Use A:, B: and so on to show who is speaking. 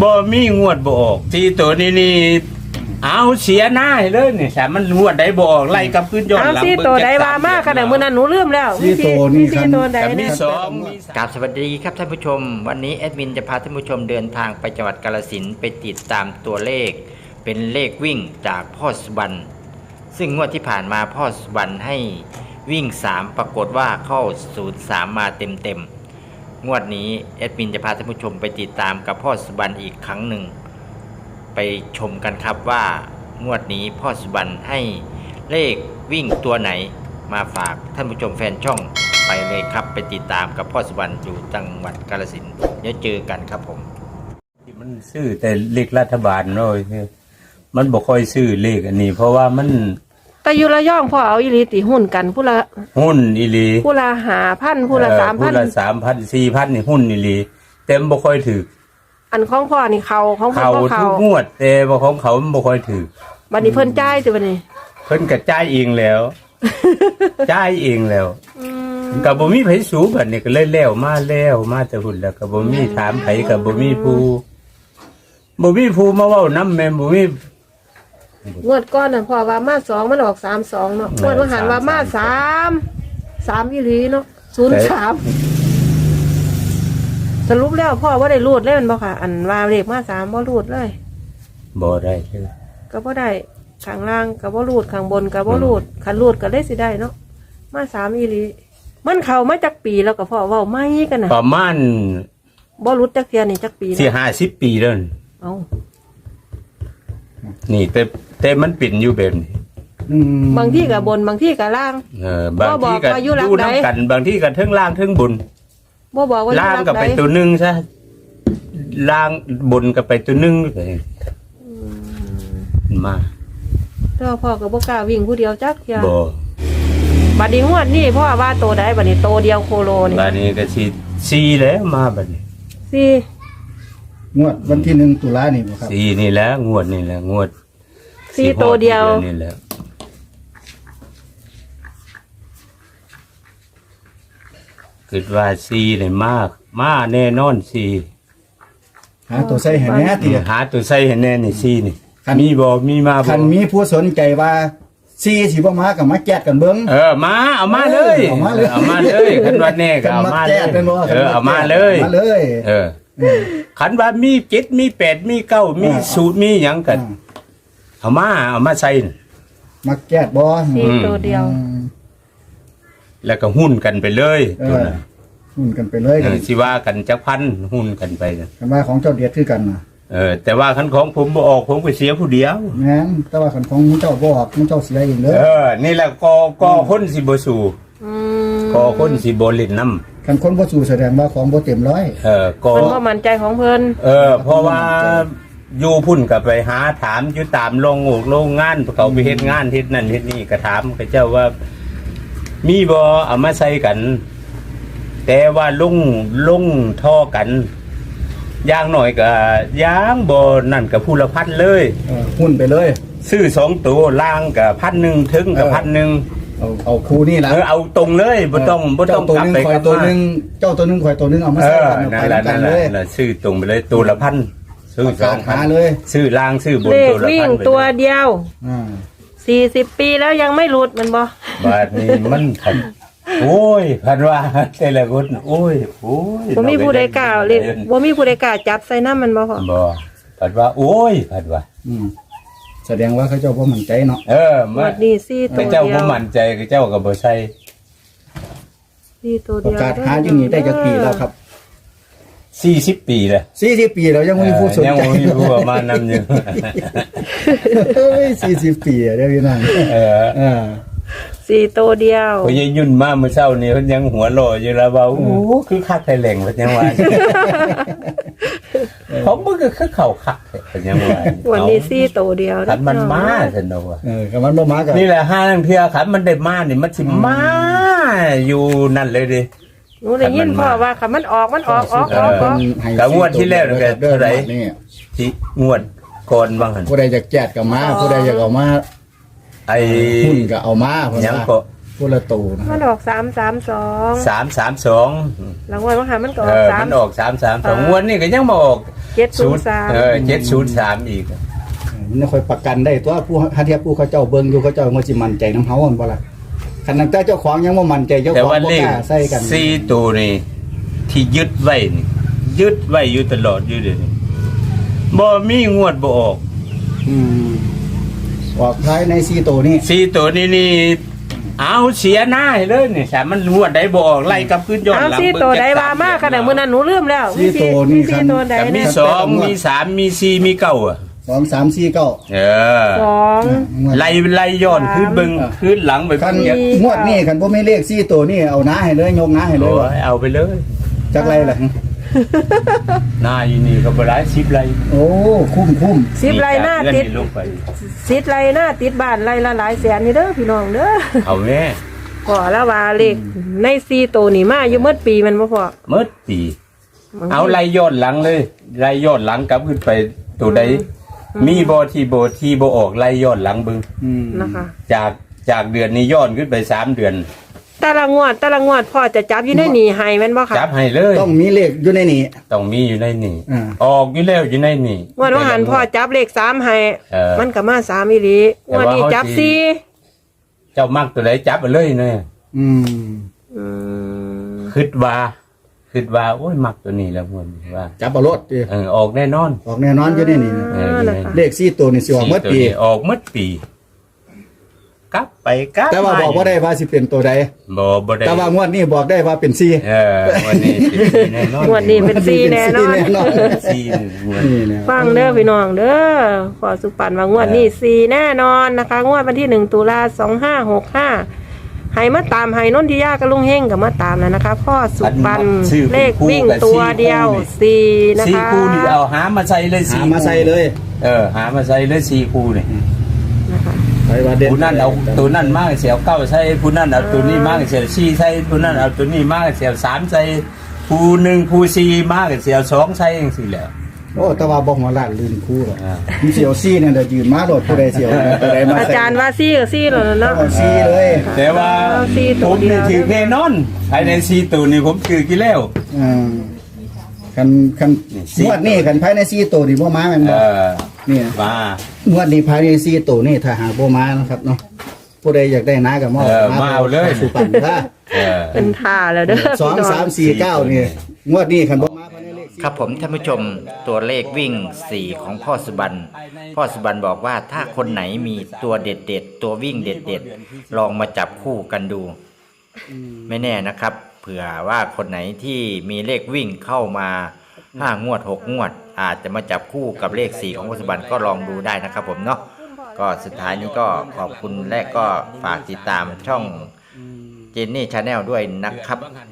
A: บ่มีงวดบ่ออกที่ตัวนี้เอาเสียหน้าเลยนี่แต่มันงวดใดบ่ออกไล่กับขึ้นย้อนหลัง
B: ซี่ตัวใดว่ามากขนาดมื้อนั้นหนูลืมแล้ว
C: ซี่ตัวนี่ครับ
B: ตัวใด
A: มี
B: เนี่ย
A: สองมี
D: กราบสวัสดีครับท่านผู้ชมวันนี้แอดมินจะพาท่านผู้ชมเดินทางไปจังหวัดกาฬสินธุ์ไปติดตามตัวเลขเป็นเลขวิ่งจากพ่อสุบรรณซึ่งงวดที่ผ่านมาพ่อสุบรรณให้วิ่ง3ปรากฏว่าเข้า03มาเต็มงวดนี้แอดมินจะพาท่านผู้ชมไปติดตามกับพ่อสุบรรณอีกครั้งหนึ่งไปชมกันครับว่างวดนี้พ่อสุบรรณให้เลขวิ่งตัวไหนมาฝากท่านผู้ชมแฟนช่องไปเลยครับไปติดตามกับพ่อสุบรรณอยู่จังหวัดกาฬสินธุ์เดี๋ยวเจอกันครับผม
A: มันซื้อแต่เลขรัฐบาลเนาะมันบ่ค่อยซื้อเลขอันนี้เพราะว่ามัน
B: แต่อยู่ระยองพ่อเอาอีหลีติหุ้นกันผู้ละ
A: หุ้นอีหลี
B: ผู้ละ5,000ผู้ละ
A: ผู้ละ 3,000 4,000นี่หุ้นอีหลีเต็มบ่ค่อยถือ
B: 3,000อันของพ่อนี่เขาของพ่อ
A: เขา
B: บ่
A: ทุ
B: เขา
A: กงวดแต่ว่าของเขามันบ่ค่อยถือ
B: บัดนี้เพิ่นจ่ายติบัดนี้
A: เพิ่นก็จ่ายเองแล้ว จ่ายเองแล้ว
B: อืม
A: ก็บ่มีไผสูบัดนี้ก็เลยแล้วมาแต่หุ่นแล้วก็บ่มีถามไผก็บ่มีผู้มาเว้านำแม่บ่มี
B: งวดก่อนน่ะพ่อว่ามา2มันออก32เนาะงวดว่าหันว่ามา3อีหลีเนาะ03สรุปแล้วพ่อบ่ได้รูดเลยแม่นบ่ค่ะ อันว่าเลขมา3บ่รูดเลย
A: บ่ได้เลย
B: ก็บ่ได้ข้างล่างก็บ่รูดข้างบนก็บ่รูดคันรูดก็เลยสิได้เนาะมา3อีหลีมันเข้ามาจักปีแล้วก็พ่อเว้าไม่กันน่ะ
A: ประมาณ
B: บ่รู้จักเที่ยนี่จักปี
A: สิ
B: แล้ว
A: 50 ปีแล้วนี่
B: เอ้า
A: นี่แต่มันเป็นอยู่แบบนี้
B: บางที่ก็บนบางที่ก็ล่าง
A: บางทีก็
B: บ่บอกว่าอยู่หลัง
A: ดู
B: ใด
A: น้ำกันบางทีก็เทิงล่างเทิงบน
B: บ่บอกว่า
A: ล่าง
B: อยู่
A: ก็
B: หลั
A: ไป
B: ใด
A: ตัวหนึงซะล่างบนก็ไปตัวหนึงมา
B: แต่ว่าพ่อก็บ่กล้าวิ่งผู้เดียวจักเที่ย
A: บ่
B: บัดนี้งวดนี้พ่อว่าโตได้บัดนี้โตเดียวโคโลนี่
A: บัดนี้ก็สิ4แล้วมาบัดนี้
B: สี่
C: งวดวันที่1 ตุลานี่บ่ครับ
A: 4นี่แหละงวดนี่แหละงวด
B: สี่โตเดียว
A: นี่แหละคิดว่า4นี่มาแน่นอน4
C: หาตัวใส่ให้แหน่ติ
A: หาตัวใส่ให้แน่นี่4นี่
C: คัน
A: มีบ่มีมาบ่
C: คันมีผู้สนใจว่าซีสิบ่มาก็มาแก้กันเบิ่ง
A: มาเอามาเลย
C: เอามาเลย
A: เอามาเลยคันว่าแน่ก็เอามาเล
C: แก้
A: ย
C: กันบ่
A: เอามาเลย
C: มาเลย
A: ขันว่ามี7มี8มี9มีสูตรมีหยังกันเอามาใส่น่ะ
C: มาแก้บ่
B: สี่โตเดียว
A: แล้วก็หุ้นกันไปเลย
C: เอ
A: ตัว
C: อ
A: น่ะ
C: หุ้นกันไปเลย
A: สิว่ากันจักพันหุ้นกันไปน่ะ
C: กันว่าของเจ้าเดียดคือกันน่ะ
A: แต่ว่าคันของผมบ่ออกผมก็เสียผู้เดียว
C: แม่นแต่ว่าคันของมึงเจ้าบ่ออกมึงเจ้าเสียเองเด้อ
A: นี่แหละกอคนสิบ่สู่
B: อืม
A: กอคนสิบ่เล่นนำ
C: คันคนบ่สู้แสดงว่าของบ่เต็มร้อย
A: กอ
B: มันบ่มั่นใจของเพิ่น
A: เพราะว่าอยู่พุ่นกับไปหาถามอยู่ตามโรงงานเขาไปเฮ็ดงานเฮ็ดนั่นเฮ็ดนี่ก็ถามเขาเจ้าว่า มีบ่เอามาใส่กัน แต่ว่าลงท่อกันอย่างหน่อยก็ย่างบ่นั่นกับผู้ละพันเลย
C: หุ้นไปเลย
A: ซื้อ2ตัวล่างกับ1,000ถึงกับ1,000
C: เอาคู่นี่ล่ะ
A: เอาตรงเลยบ่ต้องกลับไป
C: ข่อยตัวนึงเจ้าตัวนึงข่อยตัวนึงเอามาใส่กัน
A: นั่
C: ไป
A: นแหละ
C: กันเลย
A: ซื้อตรงไปเลยตัวละ1,000ซื้อ
C: ประกาศหาเลย
A: ซื้อล่างซื้อบน
B: เลข
A: ตัวละ
B: วิ่ง
A: 1,000
B: ตัวเดียว
C: อ่า
B: 40ปีแล้วยังไม่หลุดมันบ่
A: บาดนี้มันพันโอ้ยพันว่าแต่ละคนโอ้ย
B: บ่มีผู้ใดกล้าเลขบ่มีผู้ใดกล้าจับใส่น้ำมันบ่พ่อ
A: บ่พันว่าโอ้ยพันว่า
C: แสดงว่าเขาเจ้าบ่มั่นใจเนาะ
B: งวดนี้สี่โต
A: เจ้า
B: เดีย
A: บ่
B: ว
A: มั่นใจเจ้าก็บ่ใช่
B: สี่โต
C: ประ
B: เดียว
C: กาศหาอยู่นี่ได้จักปีแล้วครับ
A: 40 ปีแล้ว
C: 40 ปีแล้วยังบ่มีผู้สน
A: ยัง
C: ใจ
A: บ่มีผู้มานำอยู่
C: เฮ้ย40 ปีอะเด้อพี่น้อง
B: สี่โตเดียว
A: พอยายยุ่นมาเมื่อเช้านี่เพิ่นยังหัวโลอยู่แล้วว่าโอ้คือคักไทยแหล่งเพิ่นยังว่าเขาบ่คือเข้าคักเพิ่นยังว่า
B: วันนี้สี่โตเดียว
A: ขันมันมาซั่นเนาะว่า
C: ก็มันบ่มาก็
A: นี่แหละห้าเทื่อขันมันได้มานี่มันสิมาอยู่นั่นเลยดิ
B: หนูได้ยินพ่อว่าค่ะมันออกออก
A: กับงวดที่แล้วนี่ก็เท่าไหร่
C: นี่
A: ที่งวดก่อนบางหั่น
C: ผู้ใดอยากแจกก็มาผู้ใดอยากเอามา
A: ไอ้
C: หุ้นก็เอามาเพิ่น
A: ยัง
C: ว่า
A: ก็
C: ผู้ละตูนะค
B: มั
C: รั
B: น
C: บ
B: ออก332
A: 332
B: หลังวันว่ามันก็ออก
A: มันออก332งวดนี่ก็ยังมาออก
B: 703
A: 703อีก
C: มันค่อยประกันได้ตัวผู้หาเทียบผู้เขาเจ้าเบิ่งอยู่เขาเจ้ามันสิมั่นใจนำเฮาบ่ล่ะคันนั้นแต่เจ้าของยังบ่มั่นใจเจ้า
A: แต่
C: ของ
A: ว่า
C: บ่
A: เล
C: ก
A: ข
C: ล้าใส่กัน
A: 4ตัวนี่ที่ยึดไว้นี่ยึดไว้อยู่ตลอดอยู่เดี๋ยวนี้บ่มีงวดบ่ออก
C: อืมออกท้ายใน4ตัวนี้
A: 4ตัวนี้นี่เอาเสียหน้าให้เลยนี่ถ้ามันงวดใดบ่ออกไล่กลับขึ้นย้อน
B: เอา
A: หลัง
B: สี่
A: เบิ่ง
B: ตัวใด
A: จัก
B: ว่า
A: ส
B: มากขนาดมื้อนั้นหนูลืมแล้ว
C: สี่ตัวนี่
B: มีสี่ตัวใด
A: ก็มี
B: นะ
A: 2มี3มี4มี9อ่ะ
C: 2 3 4 9
A: เออ
B: สอง
A: ไล่ย้อนขึ้นเบิ่งขึ้นหลังไป
C: คัน
A: เบิ่ง
C: งวดนี้คันบ่มีเลข4ตัวนี่เอาหน้าให้เลยยกหน้าให้เลย
A: โอ้ยเอาไปเลย
C: จักไรล่ะ
A: หน้าอยู่นี่ก็บ่หลาย10ไร่
C: โอ้คุ้ม
B: สิบไรหน้าติด
A: ลงไป
B: สิบไรหน้าติดบ้านไรละหลายแสนนี่เด้อพี่น้องเด้อ
A: เอาแม่
B: ก่อแล้วว่าเลขในสี่ตัวนี่มาอยู่เมื่อปีมันบ่พอ
A: หมดปีเอาไล่ย้อนหลังเลยไล่ย้อนหลังกลับขึ้นไปตัวใดมีบ่ที่บ่ออกไล่ย้อนหลังเบิ่ง
B: นะคะ
A: จากเดือนนี้ย้อนขึ้นไป3เดือน
B: แต่ละงวดพ่อจะจับอยู่ในนี่ให้แม่นบ่ค่ะ
A: จับให้เลย
C: ต้องมีเลขอยู่ในนี้
A: ต้องมีอยู่ในนี่
C: อ่า
A: ออกอยู่แล้วอยู่ในนี่
B: งวดว่าหันพ่อจับเลข3ให้
A: เออ
B: มันก็มา3อีหลีงวดนี้จับ
A: แต่ว่าเขาสิ
B: สี่
A: เจ้ามักตัวใดจับไปเลยเนี่ย
C: อืม
B: อืม
A: คิดว่าโอ้ยมักตัวนี้แล้วมันว่า
C: จับเอารถดิ
A: ออกแน่นอน
C: ออกแน่นอนอยู่ในนี้นะ
A: อยู่ใน
C: เลข4ตัวนี่สิออกหมดปี
A: สี่ตัวนี้ออกหมดปีกลับไปกลับ
C: แต่ว่าบอกบ่ได้ว่าสิเป็นตัวใด
A: บ่ได้
C: แต่ว่างวดนี้บอกได้ว่าเป็น4
A: วันนี้สิแน่นอน
B: งวดนี้เป็นสี่แน่นอน
C: แน่นอน
A: สี่งวด
C: นี่แหละ
B: ฟังเด้อพี่น้องเด้อขอสุปันว่างวดนี้สี่แน่นอนนะคะ งวดวันที่1 ตุลา2565ให้มาตามให้นนทิยากับลุงเฮงกับมาตามแล้วนะคะ พ่อสุปันเลขวิ่งตัวเดียวสี่นะ
A: สี่
B: คะ
A: คู่นี่เอาหามาใส่เลย
C: หา
A: สี่
C: มาใส่เลย
A: หามาใส่เลยสี่คู่นี่
B: นะคะ
C: ไปว่าเด่น
A: ผู้นั่นเอาตัวนั่นมากเสียวเก้าใส่ผู้นั่นเอาตัวนี้มากเสียวสี่ใส่ผู้นั่นเอาตัวนี้มากเสียวสามใส่ผู้หนึ่งผู้สี่มากเสียวสองใส่เองสิแหล้ว
C: โอ้แต่ว่าบ่หัวล้านลืมคู่หรอก
A: อ่า
C: มีเสียวซี่เนี่ยเดี๋ยวยืนมาโดดผู้ใดเสียวตัวใดมา
B: อา
C: ใส่
B: จารย์ว่าซี่กับซี่แล้วเนาะ
C: เอาซี่เลย
A: แต่ว่า
B: เอาสี่ตั
A: ผ
B: ว
A: ม
B: เดียว
A: นี่ถือแน่นอนภายในสี่ตัวนี่ผมถือกี่แล้ว
C: อ่าคัน
A: นี่สี่
C: งวดนี้คันภายใน4ตัวนี่บ่มาแม่นบ่นี่
A: มาง
C: วดนี้ภายใน4ตัวนี่ถ้าหาบ่มานะครับเนาะผู้ใดอยากได้นาก็มา
A: มาเอาเลย
C: สุปันถ้า
B: เป็นท่าแล้วเด้อ
C: 2
B: พี่น้อง
C: 3 4 9นี่งวดนี้คันบ่มาภายในเลข
D: ครับผมท่านผู้ชมตัวเลขวิ่ง 4 ของพ่อสุบันบอกว่าถ้าคนไหนมีตัวเด็ดๆตัววิ่งเด็ดๆลองมาจับคู่กันดู ไม่แน่นะครับ เผื่อว่าคนไหนที่มีเลขวิ่งเข้ามา5 งวด 6 งวด อาจจะมาจับคู่กับเลข 4 ของพ่อสุบันก็ลองดูได้นะครับผมเนาะก็สุดท้ายนี้ก็ขอบคุณและก็ฝากติดตามช่องเจนนี่ชาแนลด้วยนะครับ